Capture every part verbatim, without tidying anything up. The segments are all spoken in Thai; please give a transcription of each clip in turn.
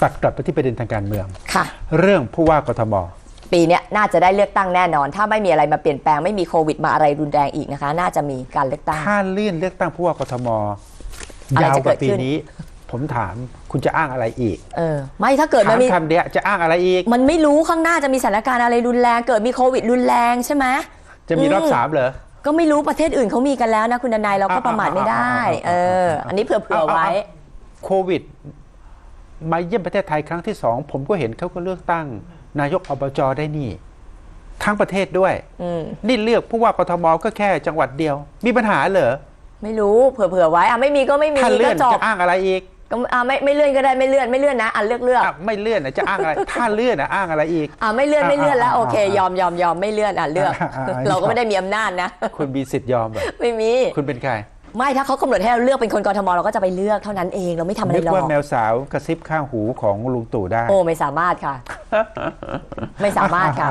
ตัดกลับไปที่ประเด็นทางการเมืองค่ะเรื่องผู้ว่ากทมปีนี้น่าจะได้เลือกตั้งแน่นอนถ้าไม่มีอะไรมาเปลี่ยนแปลงไม่มีโควิดมาอะไรรุนแรงอีกนะคะน่าจะมีการเลือกตั้งถ้าเลื่อนเลือกตั้งผู้ว่ากทมยาวกว่าปีนี้ผมถามคุณจะอ้างอะไรอีกเออไม่ถ้าเกิดมันมีคำเดียวจะอ้างอะไรอีกมันไม่รู้ข้างหน้าจะมีสถานการณ์อะไรรุนแรงเกิดมีโควิดรุนแรงใช่ไหมจะมีรอบสามเหรอก็ไม่รู้ประเทศอื่นเขามีกันแล้วนะคุณดนายเราก็ประมาทไม่ได้เอออันนี้เผื่อๆไว้โควิดมาเยี่ยมประเทศไทยครั้งที่สองผมก็เห็นเขาก็เลือกตั้งนายกอบจได้นี่ทั้งประเทศด้วยนี่เลือกผู้ว่ากทมก็แค่จังหวัดเดียวมีปัญหาเหรอไม่รู้เผื่อๆไว้อ่ะไม่มีก็ไม่มีถ้าเลื่อนจะอ้างอะไรอีกก็อ่าไม่ไม่เลื่อนก็ได้ไม่เลื่อนไม่เลื่อนนะอ่ะเลือกเลือกไม่เลื่อนจะอ้างอะไรถ้าเลื่อนอ้างอะไรอีกอ่าไม่เลื่อนไม่เลื่อนแล้วโอเคยอมยอมยอมไม่เลื่อนอ่ะเลือกเราก็ไม่ได้มีอำนาจนะคุณมีสิทธิ์ยอมเหรอไม่มีคุณเป็นใครไม่ถ้าเขากำหนดให้เราเลือกเป็นคนกทมเราก็จะไปเลือกเท่านั้นเองเราไม่ทำอะไรหรอกนึกว่าแมวสาวกระซิบข้างหูของลุงตู่ได้โอ้ไม่สามารถค่ะไม่สามารถค่ะ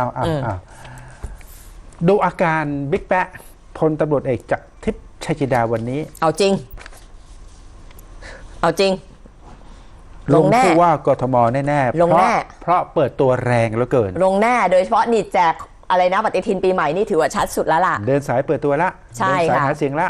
ดูอาการบิ๊กแป๊ะพลตำรวจเอกจากทิพย์ชัยจินดาวันนี้เอาจริงเอาจริงลงผู้ว่ากทมแน่ๆลงแน่เพราะเปิดตัวแรงเหลือเกินลงแน่โดยเฉพาะนี่แจกอะไรนะปฏิทินปีใหม่นี่ถือว่าชัดสุดแล้วล่ะเดินสายเปิดตัวละใช่ค่ะเดินสายหหาเสียงละ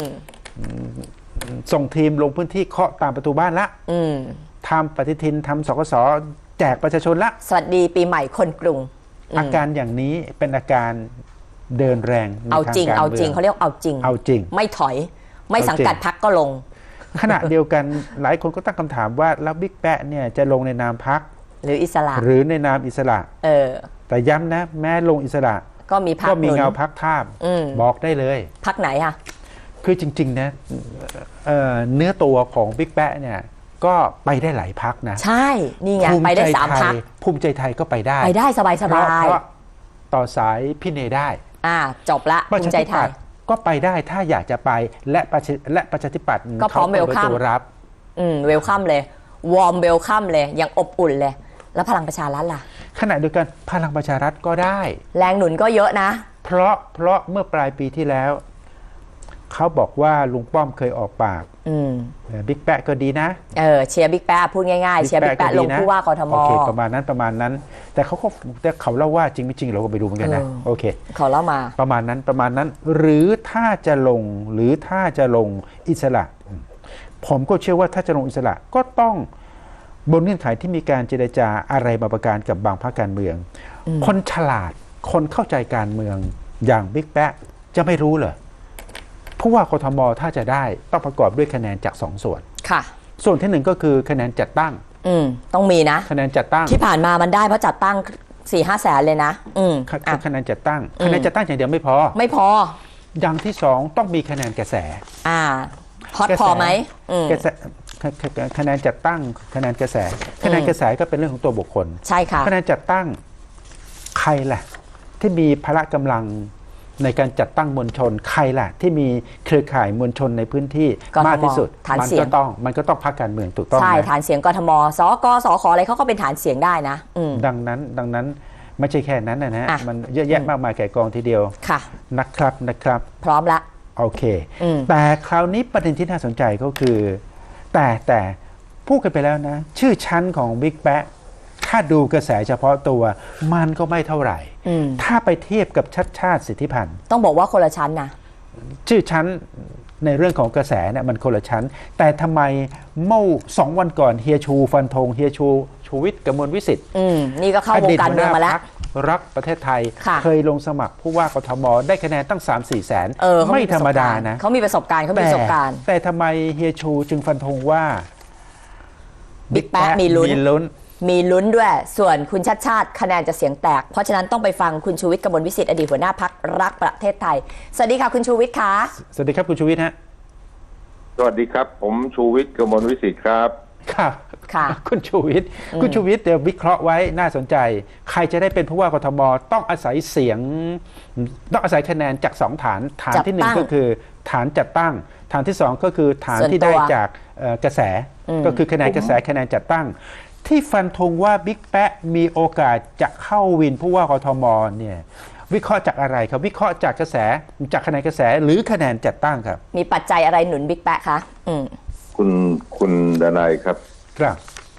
ส่งทีมลงพื้นที่เคาะตามประตูบ้านละทำปฏิทินทำสกสแจกประชาชนละสวัสดีปีใหม่คนกรุงอาการอย่างนี้เป็นอาการเดินแรงเอาจริงเอาจริงเขาเรียกเอาจริงเอาจริงไม่ถอยไม่สังกัดพรรคก็ลงขณะเดียวกันหลายคนก็ตั้งคำถามว่าแล้วบิ๊กแป๊ะเนี่ยจะลงในนามพรรคหรืออิสระหรือในนามอิสระเออแต่ย้ำนะแม้ลงอิสระก็มีพรรคก็มีเงาพรรคทาบบอกได้เลยพรรคไหนอะคือจริงๆนะเ, เนื้อตัวของบิ๊กแป๊ะเนี่ยก็ไปได้หลายพรรคนะใช่นี่ไงไปได้สามพรรคภูมิใจไทยก็ไปได้ไปได้สบายสบายเพราะต่อสายพี่เนได้อ่าจบละภูมิใจไทยก็ไปได้ถ้าอยากจะไปและและประชาธิปัตย์ก็พร้อมเวลคัมรับอืมเวลคัมเลยวอร์มเวลคัมเลยยังอบอุ่นเลยแล้วพลังประชารัฐล่ะขณะเดียวกันพลังประชารัฐก็ได้แรงหนุนก็เยอะนะเพราะเพราะเมื่อปลายปีที่แล้วเขาบอกว่าลุงป้อมเคยออกปากบิ๊กแป๊ะก็ดีนะเออเชียร์บิ๊กแป๊ะพูดง่ายๆเชียร์บิ๊กแป๊ะลงผู้ว่ากทมโอเคประมาณนั้นประมาณนั้นแต่เขาก็แต่เขาเล่าว่าจริงไม่จริงเราก็ไปดูเหมือนกันนะโอเคเขาเล่ามาประมาณนั้นประมาณนั้นหรือถ้าจะลงหรือถ้าจะลงอิสระผมก็เชื่อว่าถ้าจะลงอิสระก็ต้องบนเงื่อนไขที่มีการเจรจาอะไรบางประการกับบางพรรคการเมืองคนฉลาดคนเข้าใจการเมืองอย่างบิ๊กแป๊ะจะไม่รู้เหรอผู้ว่ากทมถ้าจะได้ต้องประกอบด้วยคะแนนจากสองส่วนค่ะส่วนที่หนึ่งก็คือคะแนนจัดตั้งอืมต้องมีนะคะแนนจัดตั้งที่ผ่านมามันได้เพราะจัดตั้งสี่ห้าแสนเลยนะอืมคะแนนจัดตั้งคะแนนจัดตั้งอย่างเดียวไม่พอไม่พออย่างที่สองต้องมีคะแนนกระแสอ่าฮอตพอไหมกระแสคะแนนจัดตั้งคะแนนกระแสคะแนนกระแสก็เป็นเรื่องของตัวบุคคลใช่ค่ะคะแนนจัดตั้งใครล่ะที่มีพละกำลังในการจัดตั้งมวลชนใครล่ะที่มีเครือข่ายมวลชนในพื้นที่มากที่สุดมันก็ต้องมันก็ต้องพรรคการเมืองถูกต้องใช่ฐานเสียงกทมสกสขอะไรเขาก็เป็นฐานเสียงได้นะดังนั้นดังนั้นไม่ใช่แค่นั้นนะฮะมันเยอะแยะมากมายแก่กองทีเดียวค่ะนะครับนะครับพร้อมละโอเคแต่คราวนี้ประเด็นที่น่าสนใจก็คือแต่แต่พูดกันไปแล้วนะชื่อชั้นของบิ๊กแป๊ะถ้าดูกระแสเฉพาะตัวมันก็ไม่เท่าไหร่ถ้าไปเทียบกับชัดชาติสิทธิพันธ์ต้องบอกว่าคนละชั้นนะชื่อชั้นในเรื่องของกระแสเนี่ยมันคนละชั้นแต่ทำไมเมื่อสองวันก่อนเฮียชูฟันธงเฮียชูชูวิทย์กมลวิสิทธิ์นี่ก็เข้าวงการเมืองมาแล้วรักประเทศไทยเคยลงสมัครผู้ว่ากทมได้คะแนนตั้ง สามสี่ แสนไม่ธรรมดานะเขามีประสบการณ์เขามีประสบการณ์แต่ทำไมเฮียชูจึงฟันธงว่าบิ๊กแป๊ะมีลุ้นมีลุ้นด้วยส่วนคุณชัดชาติคะแนนจะเสียงแตกเพราะฉะนั้นต้องไปฟังคุณชูวิทย์กมลวิสิทธิ์อดีตหัวหน้าพรรครักประเทศไทยสวัสดีค่ะคุณชูวิทย์คะสวัสดีครับคุณชูวิทย์ฮะสวัสดีครับผมชูวิทย์กมลวิสิทธิ์ครับครับค่ะคุณชูวิทย์คุณชูวิทย์เดี๋ยววิเคราะห์ไว้น่าสนใจใครจะได้เป็นผู้ว่ากทมต้องอาศัยเสียงต้องอาศัยคะแนนจากสองฐานฐานที่หนึ่งก็คือฐานจัดตั้งฐานที่สองก็คือฐานที่ได้จากกระแสก็คือคะแนนกระแสคะแนนจัดตั้งที่ฟันธงว่าบิ๊กแป๊ะมีโอกาสจะเข้าวินผู้ว่ากทมเนี่ยวิเคราะห์จากอะไรครับวิเคราะห์จากกระแสจากคะแนนกระแสหรือคะแนนจัดตั้งครับมีปัจจัยอะไรหนุนบิ๊กแป๊ะคะคุณคุณดนายครับครับ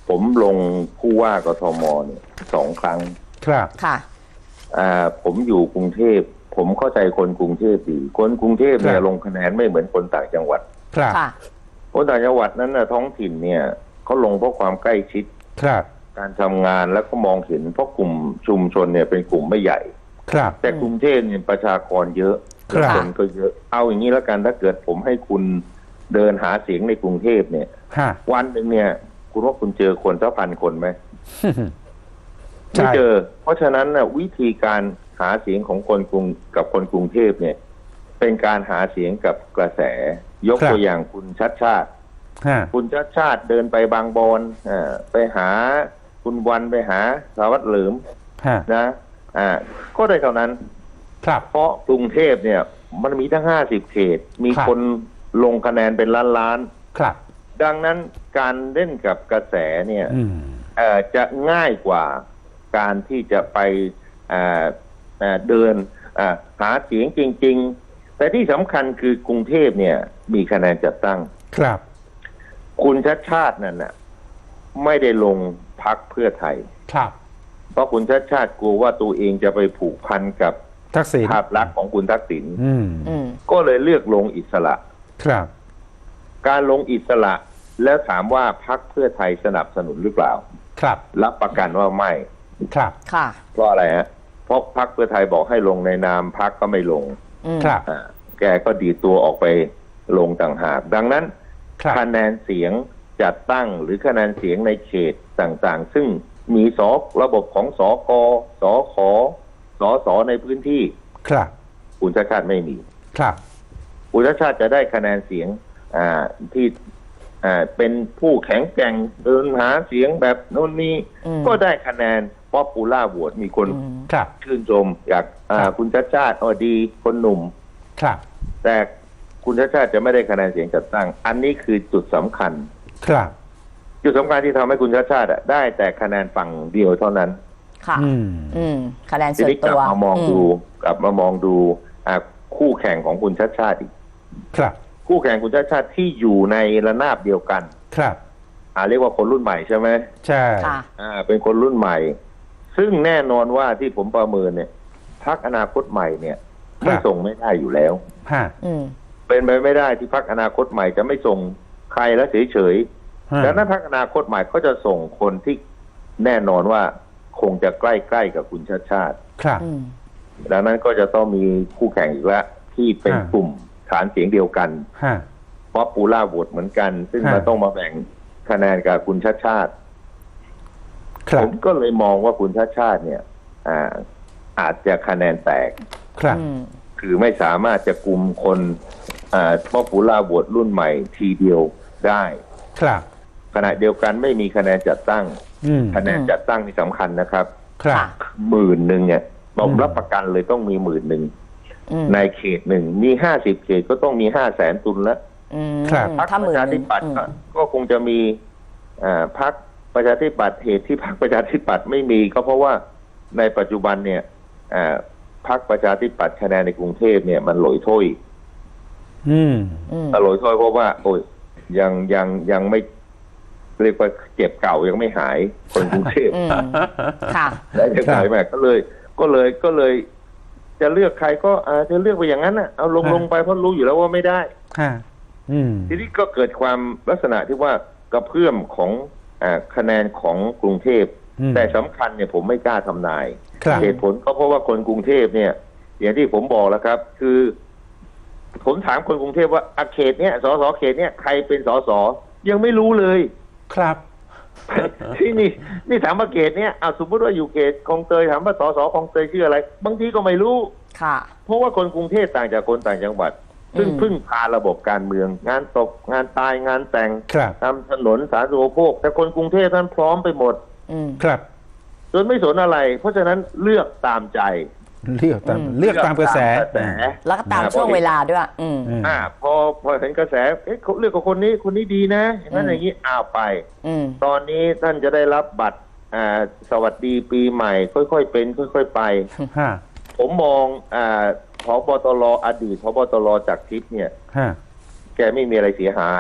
ผมลงผู้ว่ากทมเนี่ยสองครั้งครับค่ะอ่าผมอยู่กรุงเทพผมเข้าใจคนกรุงเทพดีคนกรุงเทพเนี่ยลงคะแนนไม่เหมือนคนต่างจังหวัดครับค่ะคนต่างจังหวัดนั้นนะท้องถิ่นเนี่ยเขาลงเพราะความใกล้ชิดครับการทำงานแล้วก็มองเห็นเพราะกลุ่มชุมชนเนี่ยเป็นกลุ่มไม่ใหญ่ครับแต่กรุงเทพเนี่ยประชากรเยอะครับคนก็เยอะเอาอย่างนี้แล้วกันถ้าเกิดผมให้คุณเดินหาเสียงในกรุงเทพเนี่ยฮะวันหนึ่งเนี่ย คุณว่าคุณเจอคนสักพันคนไหมใช่ไม่เจอ เพราะฉะนั้นนะวิธีการหาเสียงของคนกรุงกับคนกรุงเทพเนี่ย เป็นการหาเสียงกับกระแส ยกตัวอย่างคุณชัดชาติฮะคุณชัดชาติเดินไปบางบอนอ่าไปหาคุณวันไปหาสารวัตรเหลิมฮะนะ อ่า ก็ได้เท่านั้นครับเพราะกรุงเทพเนี่ย มันมีทั้งห้าสิบเขต มีครับคนลงคะแนนเป็นล้านล้านครับๆดังนั้นการเล่นกับกระแสเนี่ยอืมเอ่อจะง่ายกว่าการที่จะไปอ่าอ่าเดินอ่าหาเสียงจริง ๆ แต่ที่สำคัญคือกรุงเทพเนี่ย มีคะแนนจัดตั้งครับคุณชัดชาตินั่นน่ะไม่ได้ลงพักเพื่อไทยครับเพราะคุณชัดชาติกลัวว่าตัวเองจะไปผูกพันกับทักษิณภาพลักษณ์ของคุณทักษิณอืมอืมก็เลยเลือกลงอิสระครับการลงอิสระ แล้วถามว่าพักเพื่อไทยสนับสนุนหรือเปล่าครับรับประกันว่าไม่ครับค่ะเพราะอะไรฮะ เพราะพักเพื่อไทยบอกให้ลงในนามพักก็ไม่ลงอืมครับอ่าแกก็ดีดตัวออกไปลงต่างหาก ดังนั้นครับคะแนนเสียงจัดตั้งหรือคะแนนเสียงในเขตต่างๆ ซึ่งมีสอระบบของสอกสอขอสอสอในพื้นที่ครับคุณชาติชาติไม่มีครับคุณชาติชาติจะได้คะแนนเสียงอ่าที่อ่าเป็นผู้แข็งแกร่งเดินหาเสียงแบบโน่นนี่อืมก็ได้คะแนนป๊อปปูล่าโหวตมีคนอืมครับชื่นชมอยากอ่าครับคุณชาติชาติอ๋อดีคนหนุ่มครับแต่คุณชาติชาติจะไม่ได้คะแนนเสียงจัดตั้ง อันนี้คือจุดสำคัญครับจุดสำคัญที่ทำให้คุณชาติชาติอะได้แต่คะแนนฝั่งเดียวเท่านั้นค่ะอืมอืม คะแนนทีส่วนนี้กตัลับวมามองดูกลับมามองดูอ่าคู่แข่งของคุณชาติชาติอีกครับคู่แข่งคุณชาติชาติที่อยู่ในระนาบเดียวกันครับอ่าเรียกว่าคนรุ่นใหม่ใช่ไหมใช่ค่ะอ่าเป็นคนรุ่นใหม่ ซึ่งแน่นอนว่าที่ผมประเมินเนี่ยพรรคอนาคตใหม่เนี่ยไม่ส่งไม่ได้อยู่แล้วฮะอืมเป็นไปไม่ได้ที่พรรคอนาคตใหม่จะไม่ส่งใครแล้วเฉยฮะๆดังนั้นพรรคอนาคตใหม่ก็จะส่งคนที่แน่นอนว่าคงจะใกล้ๆกับคุณชาติชาติครับอืมดังนั้นก็จะต้องมีคู่แข่งอีกแล้วที่เป็นอ่ากลุ่มฐานเสียงเดียวกันฮะป๊อปปูล่าโหวตเหมือนกัน ซึ่งฮะมันต้องมาแบ่งคะแนนกับคุณชาติชาติครัผบมก็เลยมองว่าคุณชาติชาติเนี่ย อ่า อาจจะคะแนนแตกครับอืมคือไม่สามารถจะกลุ่มคนอ่าป๊อปปูล่าโหวตรุ่นใหม่ทีเดียวได้ครับขณะเดียวกันไม่มีคะแนนจัดตั้งอืมคะแนนจัดตั้งนี่สำคัญนะครับครับค่ะหมื่นหนึ่งเนี่ยผมอืมรับประกันเลยต้องมีหมื่นหนึ่งอืมในเขตหนึ่งมีห้าสิบเขตก็ต้องมีห้าแสนตุนแล้วอืมครับพรรคถ้าหปมื่นระชาหธินึ่งปัตย์อืมก็ก็คงจะมีอ่าพรรคประชาธิปัตย์เหตุที่พรรคประชาธิปัตย์ไม่มีก็เพราะว่าในปัจจุบันเนี่ยอ่าพรรคประชาธิปัตย์คะแนนในกรุงเทพเนี่ยมันหลอยถ้วยอืมอืมหลอยถ้วยเพราะว่า โอ้ยยังยังยังไม่เรียกว่าเจ็บเก่ายังไม่หายคนกรุงเทพอืม ค่ะได้ยังไงแม่ก็เลย ก็เลยก็เลย จะเลือกใครก็อาจะเลือกไปอย่างนั้นน่ะเอาลงฮะลงไปเพราะรู้อยู่แล้วว่าไม่ได้ฮะ อืมทีนี้ก็เกิดความลักษณะที่ว่ากระเพื่อมของอาคะแนนของกรุงเทพอืมแต่สำคัญเนี่ยผมไม่กล้าทำนายครับเหตุผลก็เพราะว่าคนกรุงเทพเนี่ย อย่างที่ผมบอกแล้วครับ คือ ผมถามคนกรุงเทพว่าอาเขตเนี้ยสสเขตเนี้ยใครเป็นสสยังไม่รู้เลยครับที่นี่นี่ถามว่าเขตเนี้ยเอาสมมติว่าอยู่เขตคลองเตยถามว่าสสคลองเตยชื่ออะไร บางทีก็ไม่รู้ค่ะเพราะว่าคนกรุงเทพต่างจากคนต่างจังหวัด ซึ่งอืมพึ่งพาระบบการเมือง งานตกงานตายงานแต่งครับทำถนนสาธารณูปโภคแต่คนกรุงเทพท่านพร้อมไปหมดอืมครับจนไม่สนอะไร เพราะฉะนั้นเลือกตามใจเลือกตามอืมเลือกตามกระแสเลือกตามกระแสแล้วก็ตามช่วงเวลาด้วย อืมอืมอ่า พอพอเห็นกระแสเอ๊ะเขาเลือกกับคนนี้คนนี้ดีนะอย่างนั้นอืมอย่างนี้อ้าวไปอืมตอนนี้ท่านจะได้รับบัตรอ่าสวัสดีปีใหม่ ค่อยๆเป็น ค่อย ๆ ไปฮะผมมองอ่าผบตรอดีตผบตรจากทิพย์เนี่ยฮะแกไม่มีอะไรเสียหาย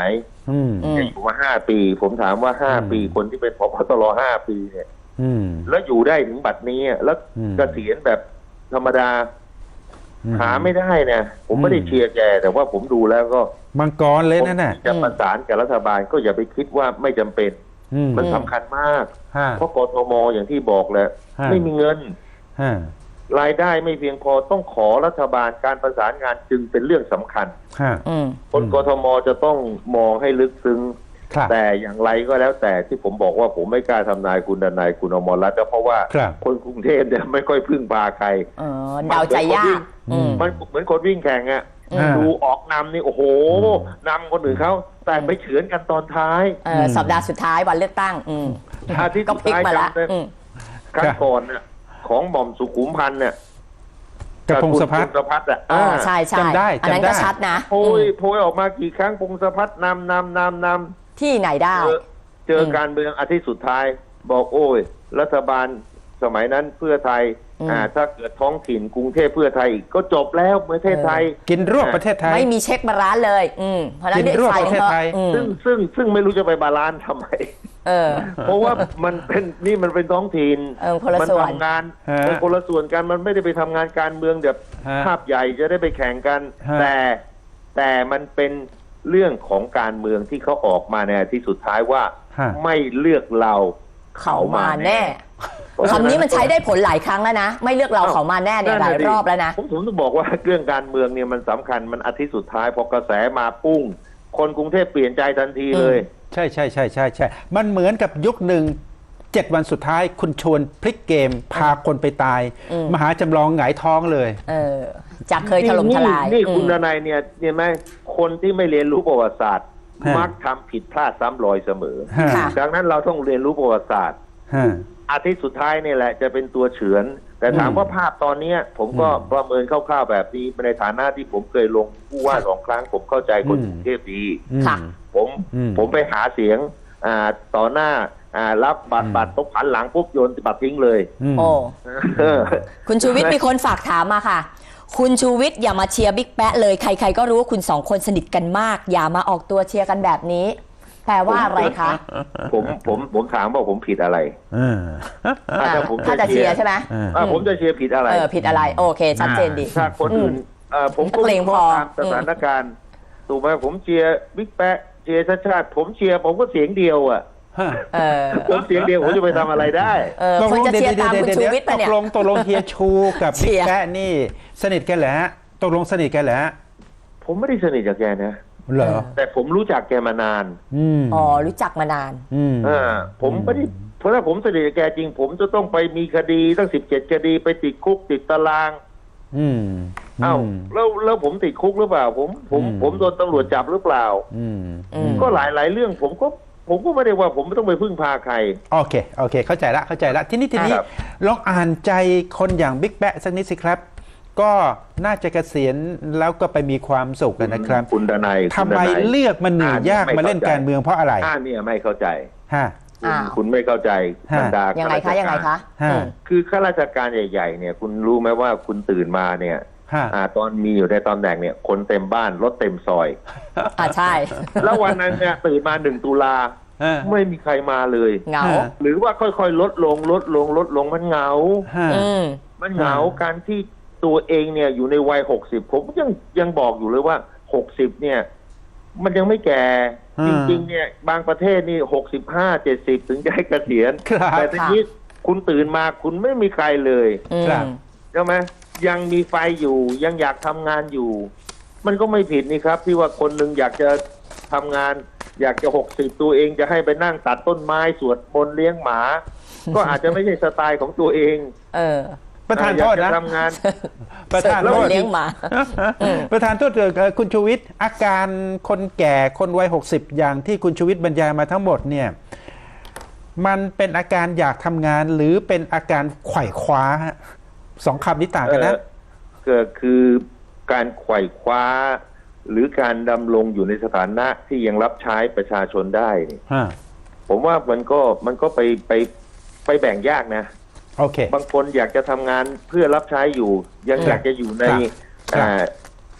อืมอืมอยู่มาห้าปี ผมถามว่าห้าอืมปีคนที่เป็นผบตรห้าปีเนี่ยอืมแล้วอยู่ได้ถึงบัดนี้อะแล้วอืมเกษียณแบบธรรมดาอืมหาไม่ได้นะผมไม่ได้อืมเชียร์แกแต่ว่าผมดูแล้วก็มังกรเลยนั่นน่ะผมจะประสานกับรัฐบาลก็อย่าไปคิดว่าไม่จำเป็นอืมมันสำคัญมากฮะเพราะกทมอย่างที่บอกแหละฮะไม่มีเงินฮะรายได้ไม่เพียงพอต้องขอรัฐบาลการประสานงานจึงเป็นเรื่องสำคัญฮะอืมคนอืมกทมจะต้องมองให้ลึกซึ้งครับแต่อย่างไรก็แล้วแต่ที่ผมบอกว่าผมไม่กล้าทำนายคุณดนายคุณอมรรัตน์ก็เพราะว่าครับคนกรุงเทพเนี่ยไม่ค่อยพึ่งพาใครเออเดาใจยากอือืมมมันเหมือนคนวิ่งแข่งอะอืมดูออกนำนี่โอ้โหอืมนำคนอื่นเขาแต่ไปเฉือนกันตอนท้ายเออสัปดาห์สุดท้ายวันเลือกตั้ง อืมอาทิตย์ก็สุดพลิกท้ายมาแล้วจำได้อืมครั้งก่อนน่ะของหม่อมสุขุมพันธ์เนี่ยกับพงศพัฒน์คุณพงศพัฒน์อ่ะอ๋อใช่ใช่จำได้อันนั้นจำได้ก็ชัดนะโพยอืมโพยออกมากี่ครั้งพงศพัฒน์นำนำนำนำที่ไหนได้เจอเจออมการเมืองอาทิตย์สุดท้าย บอกโอ้ย รัฐบาลสมัยนั้นเพื่อไทยอืมอ่าถ้าเกิดท้องถิ่นกรุงเทพเพื่อไทยอีกก็จบแล้วประเทศไทยกินรวบประเทศไทยไม่มีเช็คบาลานซ์เลย อืมเพราะฉะนั้นกินรวบใส่ประเทศไทยอืมซึ่งซึ่งซึ่งไม่รู้จะไปบาลานซ์ทำไมเออเพราะว่ามันเป็นนี่มันเป็นท้องถิ่นเออคนละมัส่วนทำงานฮะเป็นคนละส่วนกันมันไม่ได้ไปทำงานการเมืองแบบฮะภาพใหญ่จะได้ไปแข่งกันฮะแต่แต่มันเป็นเรื่องของการเมืองที่เขาออกมาในอาทิตย์สุดท้ายว่าฮะไม่เลือกเราเขามาแน่เพราะฉะคำนี้มันใช้ได้ผลหลายครั้งแล้วนะ ไม่เลือกเราเขามาแน่เนี่ยหลายรอบแล้วนะผมผมต้องบอกว่าเรื่องการเมืองเนี่ยมันสำคัญมันอาทิตย์สุดท้ายพอกระแสมาปุ้ง คนกรุงเทพเปลี่ยนใจทันทีเลยใช่ใช่ใช่ใช่ใช่มันเหมือนกับยุคหนึ่งเจ็ดวันสุดท้ายคุณชวนพลิกเกม พาคนไปตายอืมมหาจำลองหงายท้องเลยเออจากเคยถล่มทลายนี่นี่อืมคุณนายเนี่ยเนี่ยไหมคนที่ไม่เรียนรู้ประวัติศาสตร์ฮะมักทำผิดพลาดซ้ำรอยเสมอฮะค่ะดังนั้นเราต้องเรียนรู้ประวัติศาสตร์ฮะอาทิตย์สุดท้ายนี่แหละจะเป็นตัวเฉือน แต่ถามอืมว่าภาพตอนเนี้ย ผมก็อืมประเมินคร่าวๆแบบนี้ในฐานะที่ผมเคยลงผู้ว่าสองครั้ง ผมเข้าใจคนอืมกรุงเทพดีอืมค่ะผมอืมผมไปหาเสียงอ่าต่อหน้าอ่ารับบัตอืรมบัตรตบผันหลังปุ๊บโยนบัตรทิ้งเลยมโอ้เออคุณชูวิทย์มีคนฝากถามมาค่ะ คุณชูวิทย์อย่ามาเชียร์บิ๊กแป๊ะเลยใครๆก็รู้ว่าคุณสองคนสนิทกันมาก อย่ามาออกตัวเชียร์กันแบบนี้ แปลว่าอะไรคะผมผมผมถามว่าผมผิดอะไรเอออ่ะอ่าถ้าผมถ้าจะเชียร์ใช่ไหมเอออ่ะผมจะเชียร์ผิดอะไรเออผิดอะไร โอเค ชัดเจนดีถ้าคนอื่นเอ่อผมก็นักเลงพอตามสถานการณ์ถูกไหมผมเชียร์บิ๊กแป๊ะเชียร์ชาติชาติ ผมเชียร์ผมก็เสียงเดียวอ่ะฮะเออผมเสียงเดียวผมจะไปทำอะไรได้เออคนจะเชียร์ตามคุณชูวิทย์ตปะกเนี่ยลงตกลงเฮียชูกับเชีบิ๊กยร์แป๊ะนี่สนิทกันแหละตกลงสนิทกันแหละผมไม่ได้สนิทกับแกนะเหรอแต่ผมรู้จักแกมานานอืมอ๋อรู้จักมานานอืมอ่าผมไม่ได้เพราะถ้าผมสนิทกับแกจริง ผมจะต้องไปมีคดีตั้งสิบเจ็ดคดีไปติดคุกติดตารางอืมเอ้าแล้วแล้วผมติดคุกหรือเปล่า ผมผมอืมผมโดนตำรวจจับหรือเปล่าอืมอืมก็หลายหลายเรื่องผมก็ผมก็ไม่ได้ว่าผมไม่ต้องไปพึ่งพาใครโอเคโอเค เข้าใจละเข้าใจละทีนี้ทีนี้ครับลองอ่านใจคนอย่างบิ๊กแป๊ะสักนิดสิครับ ก็น่าจะเกษียณแล้วก็ไปมีความสุขกันนะครับคุณดนัยทำไมเลือกมันหนียากมาเล่นการเมืองเพราะอะไรอ่าเนี่ยไม่เข้าใจฮะคุณอ้าวคุณไม่เข้าใจฮะบรรดายังไงข้าคะราชยังไงการคะฮะอืมคือข้าราชการใหญ่ๆเนี่ยคุณรู้ไหมว่าคุณตื่นมาเนี่ยฮะอ่าตอนมีอยู่ในตำแหน่งเนี่ยคนเต็มบ้านรถเต็มซอยอ่าใช่แล้ววันนั้นเนี่ยตื่นมาหนึ่งตุลาฮะไม่มีใครมาเลยเหงาฮะหรือว่าค่อยๆลดลงลดลงลดลงมันเหงาฮะอืมมันเหงาฮะการที่ตัวเองเนี่ยอยู่ในวัยหกสิบผมยังยังบอกอยู่เลยว่าหกสิบเนี่ย มันยังไม่แก่ฮะจริงๆเนี่ยบางประเทศนี่หกสิบห้าเจ็ดสิบถึงจะให้เกษียณครับแต่ทีนี้คุณตื่นมาคุณไม่มีใครเลยอืมครับใช่ไหมยังมีไฟอยู่ยังอยากทำงานอยู่ มันก็ไม่ผิดนี่ครับ ที่ว่าคนหนึ่งอยากจะทำงาน อยากจะหกสิบตัวเองจะให้ไปนั่งตัดต้นไม้สวดมนต์เลี้ยงหมา ก็อาจจะไม่ใช่สไตล์ของตัวเองเออประธานโทษอยากนะจะทำงานประธานแล้โทวษเลี้ยงหมา อืมประธานโทษเอ่อคุณชูวิทย์อาการคนแก่คนวัยหกสิบอย่างที่คุณชูวิทย์บรรยายมาทั้งหมดเนี่ยมันเป็นอาการอยากทำงานหรือเป็นอาการไขว่คว้าฮะสองคำนี้ต่างกันนะเอ่อก็คือการไขว่คว้า หรือการดำรงอยู่ในสถานะที่ยังรับใช้ประชาชนได้นี่ฮะผมว่ามันก็มันก็ไปไปไปแบ่งยากนะโอเคบางคนอยากจะทำงานเพื่อรับใช้อยู่ ยังครับอยากจะอยู่ในครับอ่า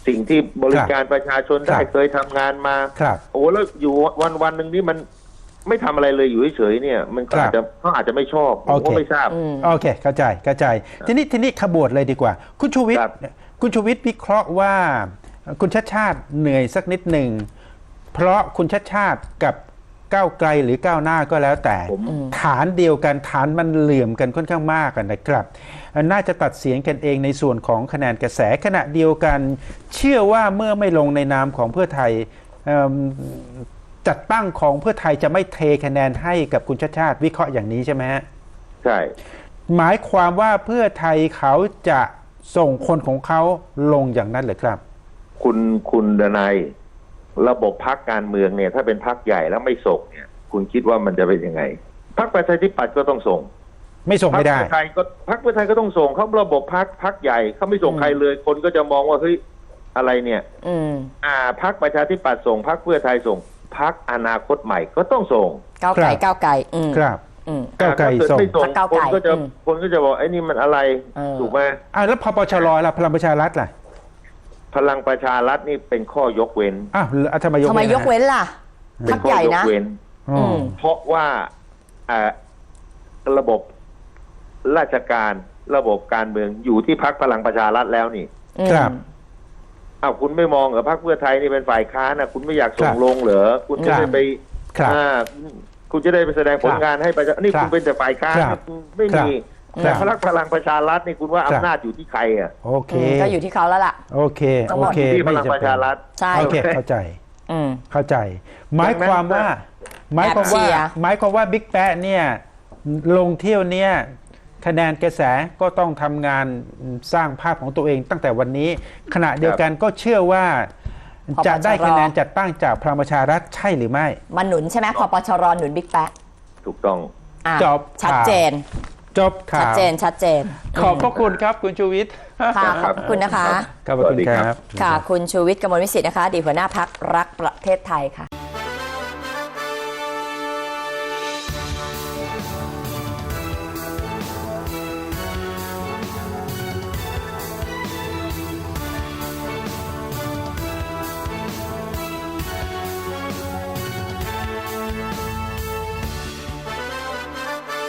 สิ่งที่บริการประชาชนได้ครับเคยทำงานมาครับโอ้แล้วอยู่วันวันหนึ่งนี่มันไม่ทำอะไรเลยอยู่เฉยๆเนี่ย มันก็ครับอาจจะเขาอาจจะไม่ชอบผมโอเคก็ไม่ทราบอืมโอเค เข้าใจ เข้าใจ ทีนี้ ทีนี้ขบวดเลยดีกว่า คุณชูวิทย์ครับคุณชูวิทย์วิเคราะห์ว่า คุณชาติชาติเหนื่อยสักนิดหนึ่ง เพราะคุณชาติชาติกับก้าวไกลหรือก้าวหน้าก็แล้วแต่ผมฐานเดียวกันฐานมันเหลื่อมกันค่อนข้างมากอะนะครับ น่าจะตัดเสียงกันเองในส่วนของคะแนนกระแสขณะเดียวกัน เชื่อว่าเมื่อไม่ลงในนามของเพื่อไทยเอิ่มจัดตั้งของเพื่อไทยจะไม่เทคะแนนให้กับคุณชาติชาติวิเคราะห์อย่างนี้ใช่ไหมฮะใช่หมายความว่าเพื่อไทยเขาจะส่งคนของเขาลงอย่างนั้นเหรือครับคุณคุณดนัยระบบพักการเมืองเนี่ย ถ้าเป็นพักใหญ่แล้วไม่ส่งเนี่ย คุณคิดว่ามันจะเป็นยังไงพักประชาธิปัตย์ก็ต้องส่งไม่ส่งพรรคไม่ได้เพื่อไทยก็พรรคเพื่อไทยก็ต้องส่งเขาระบบพักพักใหญ่เขาไม่ส่งอืมใครเลย คนก็จะมองว่าเฮ้ยอะไรเนี่ยอืมอ่าพรรคประชาธิปัตย์ส่งพรรคเพื่อไทยส่งพรรคอนาคตใหม่ก็ต้องส่งก้าวไกลครับก้าวไกลอืมครับอืมก้าวไกลถ้เดส่งไม่ส่งพรรคก้าวคไกลนก็จะอืมคนก็จะบอกไอ้นี่มันอะไรเออถูกไหมอ่าแล้วพปชรล่ะพลังประชารัฐล่ะพลังประชารัฐนี่เป็นข้อยกเว้นอ้าวแล้วทำไมยกทำไมเว้นยกเว้นล่ะเป็พันกข้ใหอญ่ยกนะเว้นอ๋ออืมเพราะว่าอ่าระบบราชการระบบการเมืองอยู่ที่พรรคพลังประชารัฐแล้วนี่ครับอ้าวคุณไม่มองเหรอพรรคเพื่อไทยนี่เป็นฝ่ายค้านนะคุณไม่อยากส่คงรับลงเหรอคุณจะครับได้ไปครับอ่าคุณจะได้ไปแสดงผลงานให้ประชานี่ครับคุณเป็นแต่ฝ่ายค้านครับคุณไม่มีครัแต่บพรรคพลังประชารัฐนี่คุณว่าครับอำนาจอยู่ที่ใครอ่ะโอเคอืมก็อยู่ที่เขาแล้วล่ะโอเคทั้งโอหมดเคที่พไม่ลังจำประเป็นชารัฐใช่โอเคเข้าใจอืมเข้าใจ หมายความว่า หมายความว่าแอบเชียร์หมายความว่าบิ๊กแป๊ะเนี่ยลงเที่ยวเนี่ยคะแนนกระแสก็ต้องทำงานสร้างภาพของตัวเองตั้งแต่วันนี้ ขณะเดียวกันก็เชื่อว่าจะได้คะแนนจัดตั้งจากพลังประชารัฐใช่หรือไม่มาหนุนใช่ไหมพปชรหนุนบิ๊กแป๊ะถูกต้องอ่ะจบชัดเจนจบข่าวชัดเจนชัดเจนขอบพระคุณครับคุณชูวิทย์ค่ะขอบคุณนะคะขอบพระคุณครับค่ะ คุณชูวิทย์กมลวิสิทธิ์นะคะอดีตหัวหน้าพักรักประเทศไทยค่ะ